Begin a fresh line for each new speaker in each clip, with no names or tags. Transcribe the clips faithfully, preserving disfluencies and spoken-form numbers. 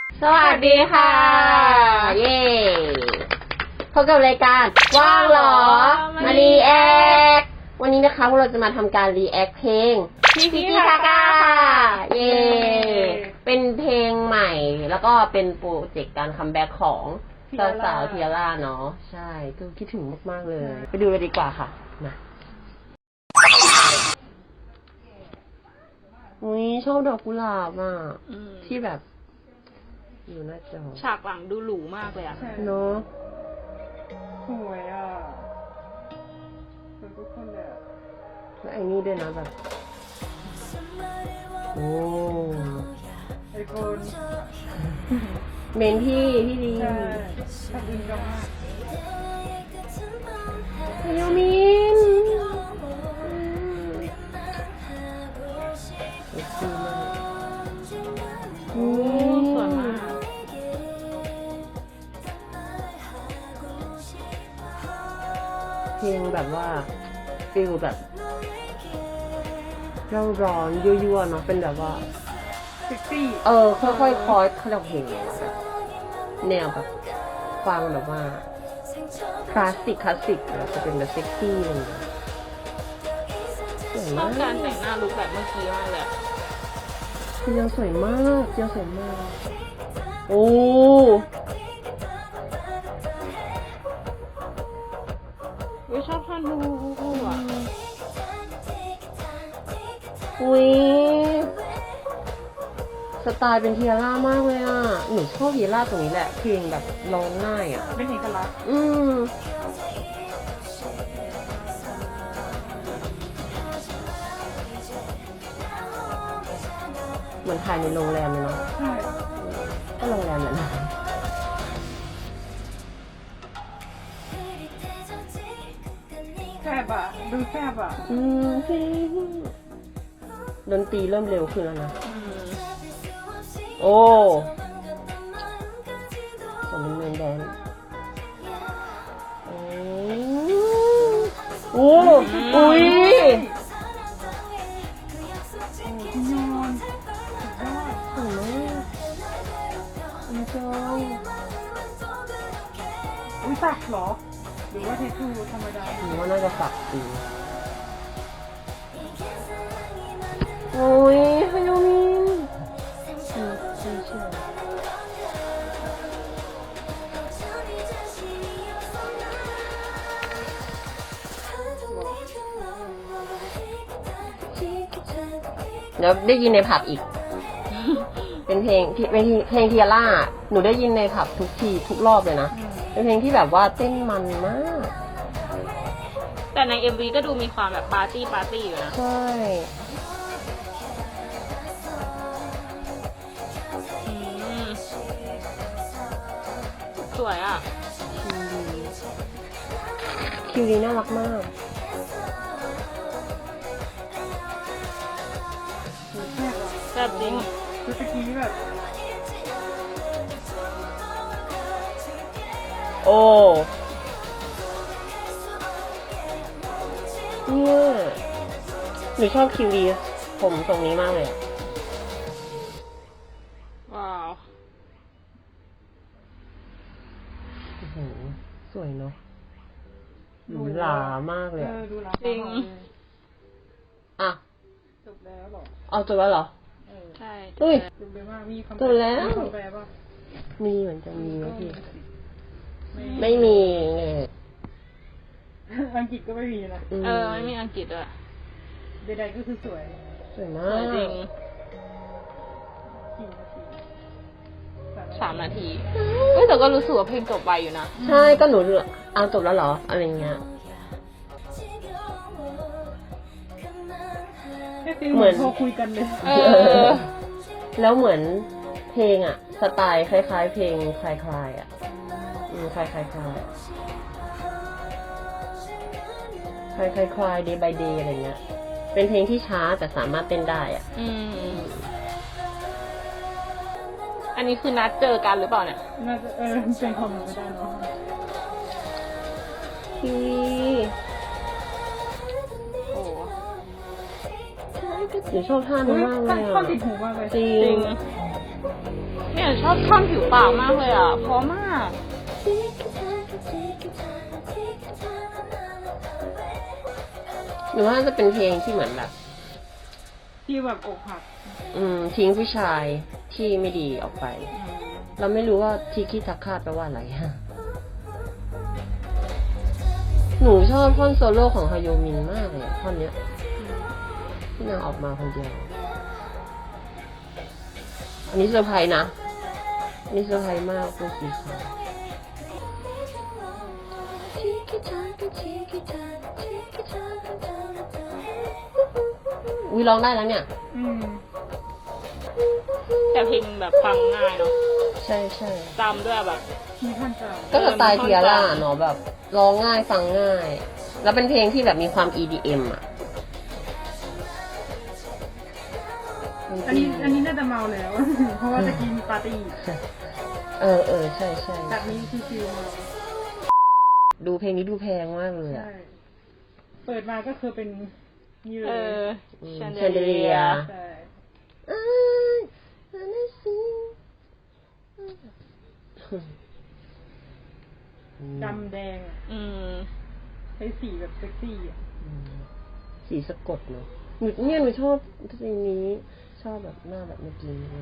สวัสดีค่ะเย้พบกับรายการว่างหรอมารีแอควันนี้นะคะพวกเราจะมาทำการรีแอคเพลงพิพิธาก้าเย้เป็นเพลงใหม่แล้วก็เป็นโปรเจกต์การคัมแบ็กของสาวสาวเทียร่าเนาะใช่ก็คิดถึงมากๆเลยไปดูเลยดีกว่าค่ะมาอุ้ยชอบดอกกุหลาบอ่ะที่แบบอยู่หน้าจอ
ฉากหลังดูหรูมากเลยอะ
เนาะ
สวยอ่ะสวยทุกคนเลยอ่ะ
แล้วไอ้นี่ด้วยนะแบบโอ้
ไอคน
เมนพี่พี่ดี
ใช่ขอบคุณจังมาก
ยามิน
โอ้สวยมาก
เพลงแบบว่าฟิลแบบเร่าร้อนยั่วๆเนาะเป็นแบบว่า
เซ็กซี่
เออค่อยๆคอร์ดเขาเรียกเพลงแบบแนวแบบฟังแบบว่าคลาสสิกคลาสสิกแล้วจะเป็นแบบเซ็กซี่เลยสวย
ช
มา
อก บการแต่งหน้าลุคแบบเมื่อกี้มากเลย
เจียวสวยมากเจียวสวยมากโอ้
วิชอบท่อนฮูฮูฮูอ่ะ
อุ้ยสไตล์เป็นเทียร่ามากเลยอ่ะหนูชอบเทียร่าตรงนี้แหละเพลงแบบร้องง่ายอ่ะ
เป็นเอกลักษณ์
อืมเหมือนถ่ายในโรงแรมเลยเนาะ
ใช่
ก็โรงแรมแหละนะ
แซ่บอ่ะดูแซ่บอ่ะ
อืมดนตรีเริ่มเร็วขึ้นแล้วนะโอ้สมเป็นเมนแดนโอ้โอ้อุ้ย
พี่ยอน
สวยมากอุ้ยจอย
อุ้ยสักเหรอหรือว่าเททูธรรมดา
หนูว่าน่าจะสักดีโอ้ยฮายามินเชื่อเชื่อเชื่อเดี๋ยวได้ยินในผับอีก เป็นเพลงที่เป็นเพลงเทียร่าหนูได้ยินในผับทุกทีทุกรอบเลยนะเป็นเพลงที่แบบว่าเต้นมันมาก
แต่ใน เอ็ม วี ก็ดูมีความแบบปาร์ตี้ปาร์ตี้อยู่นะ
ใช่
สวยอ่ะ
คิวดีน่ารักมาก
แซ่บอ่ะ
แซ่บจริง
คือตะกี้แบบ
โอ้เนี่ยหนูชอบคิวดีผมตรงนี้มากเลย
ว้าว
โอ้โหสวยเนาะหรูหรามากเลย
เออดูหลา
จริง
อ่ะ
จบแล้วหรอ
เอาจบแล้วเหรอ
เออ
ใช่
อุ้ย
จบไปมากมีคำ
จบแล้ว
มีคำแปลป่ะ
มีเหมือนจะมีไหมพี่ไม่มีเลย
อังกฤษก็ไม่มีนะ
เออไม่มีอังกฤษด้วย
ใดๆก็คือสวย
สวยมา
สวย
ก
จริง
กี่นาที
สามนาทีเฮ้ยแต่ก็รู้สึกว่าเพลงจบไวอยู่นะ
ใช่ก็หนูเอาจบแล้วเหรออะไรเงี้ย
เหมือนโทรคุยกันเลย
เออ
แล้วเหมือนเพลงอะสไตล์คล้ายๆเพลงคลายๆอะอืมคลายๆคลายคลายคลายคลาย day by day อะไรเงี้ยเป็นเพลงที่ช้าแต่สามารถเต้นได้อะ
อืมอันนี้คือนัดเจอกันหรือเปล่าเนี่ย
น่าจะเออเป็นความไม่ได้เนาะ
พี่
โอ้
หนูชอบท่านี้มากเลยอ่ะ
ท่าติดหูมากเลย
จริง
เนี่ยหนูชอบท่อนผิวปากมากเลยอ่ะเพราะมาก
หนูว่าจะเป็นเพลงที่เหมือนแบบ
ที่แบบอกหัก
อืมทิ้งผู้ชายที่ไม่ดีออกไป เราไม่รู้ว่าทิคิทักคาแปลว่าอะไรฮะ หนูชอบท่อนโซโล่ของฮายโยมินมากเลยอะท่อนเนี้ยที่นางออกมาคนเดียว อันนี้เซอร์ไพรส์นะ อันนี้เซอร์ไพรส์มากตัวสีขาวอุ้ยร้องได้แล้วเนี่ย
อืม
แต่เพลงแบบฟังง่ายเนาะ
ใช่ใช่
จำด้วยแบบ
มีท่านจ
ก็สไตล์เทียร่าเนาะแบบร้องง่ายฟังง่าย แล้วเป็นเพลงที่แบบมีความ อี ดี เอ็ม อ่ะ
ำอันนี้อันนี้น่าจะเมาแล้ว เพราะว่าตะกี้มีปาร์ตี้
เออเออใช่ใช่
แบบนี้คือฟิลเมา
ดูเพลงนี้ดูแพงมากเลยอ่ะ
ใช่เปิดมาก็คือเป็นนี่เล
เอย อ
อืม
แชนเด
Chandelier
ใช่ ดำแดงอะ
อืม
ใช้สีแบบเซ็กซี่อ่ะ
สีสะกดเนาะหนูเนี่ยหนูชอบเพลงนี้ ชอบแบบหน้าแบบเมื่อกี้เลย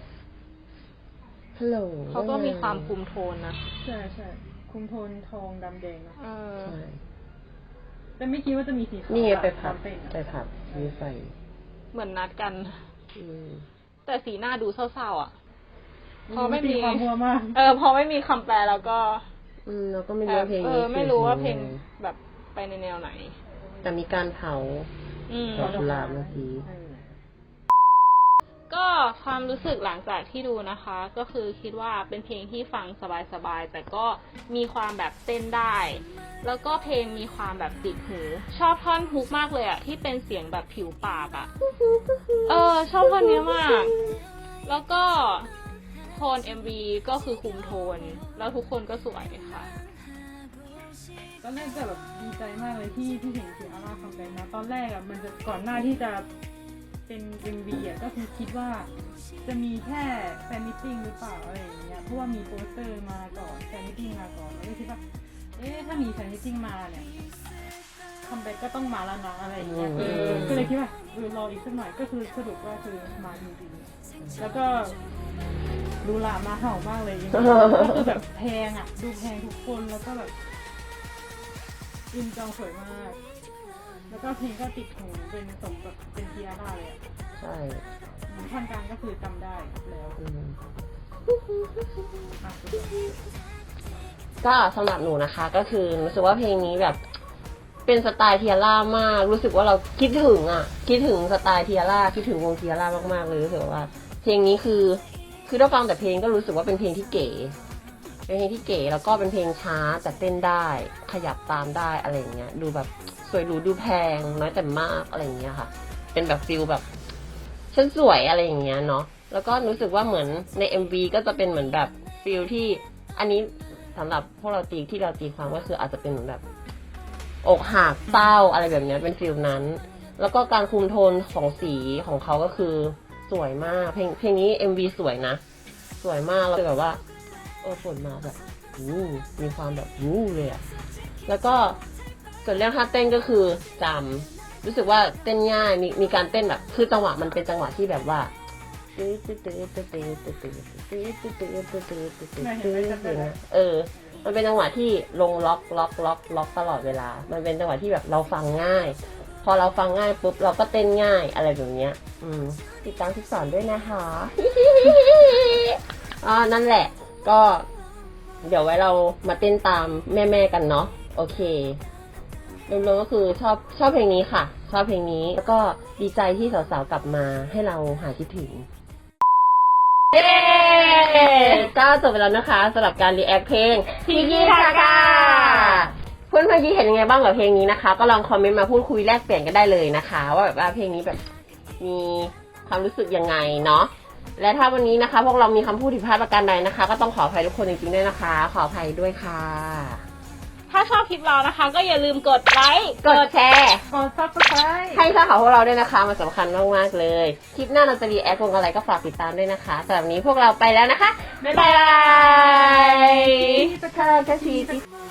ฮัลโหล
เขาก็มีความคุมโทนนะ
ใช่ใช่คุมโทนทองดำแดงเนอะ
เออ
ใช่
แต่ไม่คิดว่าจะมีสีขาว
นี่ไงไป
ต
ผั
อ
บ
นเต้นอะ
ไปผับมีไฟ
เหมือนนัดกัน
อืม
แต่สีหน้าดูเศร้าๆอ่ะ พอไม่
ตี
มี
ความหัวมาก
เออ พอไม่มีคำแปลแล้วก็
อืมเราก็ไม่รู้ว่าเพลง
เอ
นี้
อ ไม่รู้ว่าเพลงแบบไปในแนวไหน
แต่มีการเผา
อืม
ดอกกุหลาบเมื่อกี้
เออ
ก็ความรู้สึกหลังจากที่ดูนะคะ ก็คือคิดว่าเป็นเพลงที่ฟังสบายๆแต่ก็มีความแบบเต้นได้ แล้วก็เพลงมีความแบบติดหู ชอบท่อนฮุกมากเลยอะที่เป็นเสียงแบบผิวปากอะเออ ชอบท่อนนี้มาก แล้วก็โทน เอ็ม วี ก็คือคุมโทน แล้วทุกคนก็สวยค่ะ
ตอนแรกก็แบบดีใจมากเลยที่ที่เห็นเสียอาร่าคัมแบ็กนะตอนแรกอ่ะมันจะก่อนหน้าที่จะเป็น เอ็ม วี อ่ะก็คือคิดว่าจะมีแค่แฟนมิทติ้งหรือเปล่าอะไรอย่างเงี้ยเพราะว่ามีโปสเตอร์มาก่อนแฟนมิทติ้งมาก่อนแล้วก็คิดว่าเอ๊ะถ้ามีแฟนมิทติ้งมาเนี่ยคัมแบ็กก็ต้องมาแล้วนะอะไรอย่างเงี้ย
อืม
เออก็เลยคิดว่าเออรออีกสักหน่อยก็คือสรุปว่าคือมาจริงๆแล้วก็ดูหลามาเห่ามากเลยจริงๆก็คือแบบแพงอ่ะดูแพงทุกคนแล้วก็แบบ อินจองสวยมาก แล้วก็เพลงก็ติดหูเป็นสมกับเป็นเทียร่าเลยอ่ะ
ใช่
ท่อนกลางก็คือจำได้แล้ว
อืม
อ่ะ
ก็สำหรับหนูนะคะ ก็คือรู้สึกว่าเพลงนี้แบบ เป็นสไตล์เทียร่ามาก รู้สึกว่าเราคิดถึงอ่ะ คิดถึงสไตล์เทียร่าคิดถึงวงเทียร่ามากๆเลยรู้สึกว่า เพลงนี้คือ คือถ้าฟังแต่เพลงก็รู้สึกว่าเป็นเพลงที่เก๋ เป็นเพลงที่เก๋แล้วก็เป็นเพลงช้าแต่เต้นได้ ขยับตามได้อะไรอย่างเงี้ย ดูแบบสวยหรูดูแพงน้อยแต่มากอะไรอย่างเงี้ยค่ะ เป็นแบบฟิลแบบฉันสวยอะไรอย่างเงี้ยเนาะ แล้วก็รู้สึกว่าเหมือนใน เอ็ม วี ก็จะเป็นเหมือนแบบฟิลที่อันนี้สำหรับพวกเราตีที่เราตีความก็คืออาจจะเป็นเหมือนแบบอกหักเศร้าอะไรแบบเนี้ยเป็นฟิลนั้น แล้วก็การคุมโทนของสีของเขาก็คือสวยมาก เพลงเพลงนี้ เอ็ม วี สวยนะ สวยมากแล้วแบบว่าเออฝนมาแบบอู้มีความแบบอู้เลยอะแล้วก็ส่วนเรื่องท่าเต้นก็คือจำรู้สึกว่าเต้นง่ายมีมีการเต้นแบบคือจังหวะมันเป็นจังหวะที่แบบว่าตื้อตื้อตื้อตื้อตื้อตื้อตื้อตื้อตื้อตื้อตื้อตื้อตื้อตื้อเออ มันเป็นจังหวะที่ลงล็อกล็อกล็อกล็อกตลอดเวลา มันเป็นจังหวะที่แบบเราฟังง่าย พอเราฟังง่ายปุ๊บเราก็เต้นง่ายอะไรแบบเนี้ย อืมติดตามที่สอนด้วยนะคะอ่านั่นแหละ ก็เดี๋ยวไว้เรามาเต้นตามแม่ๆกันเนาะโอเครวมๆก็คือชอบชอบเพลงนี้ค่ะ ชอบเพลงนี้แล้วก็ดีใจที่สาวๆกลับมาให้เราหายคิดถึงเย้ก็จบไปแล้วนะคะสำหรับการรีแอคเพลงทิกิทากาเพื่อนๆคิดเห็นยังไงบ้างกับเพลงนี้นะคะ ก็ลองคอมเมนต์มาพูดคุยแลกเปลี่ยนกันได้เลยนะคะ ว่าแบบว่าเพลงนี้แบบมีความรู้สึกยังไงเนาะและถ้าวันนี้นะคะพวกเรามีคำพูดผิดพลาดประการใดนะคะ ก็ต้องขออภัยทุกคนจริงๆด้วยนะคะ ขออภัยด้วยค่ะ
ถ้าชอบคลิปเรานะคะ ก็อย่าลืมกดไลค์
กดแชร์
กด ซับสไครบ์
ให้ช่องของพวกเราด้วยนะคะมันสำคัญมากๆเลย คลิปหน้าเราจะรีแอควงอะไรก็ฝากติดตามด้วยนะคะสำหรับวันนี้พวกเราไปแล้วนะคะ
บ๊าย
บ๊าย
บาย
บาย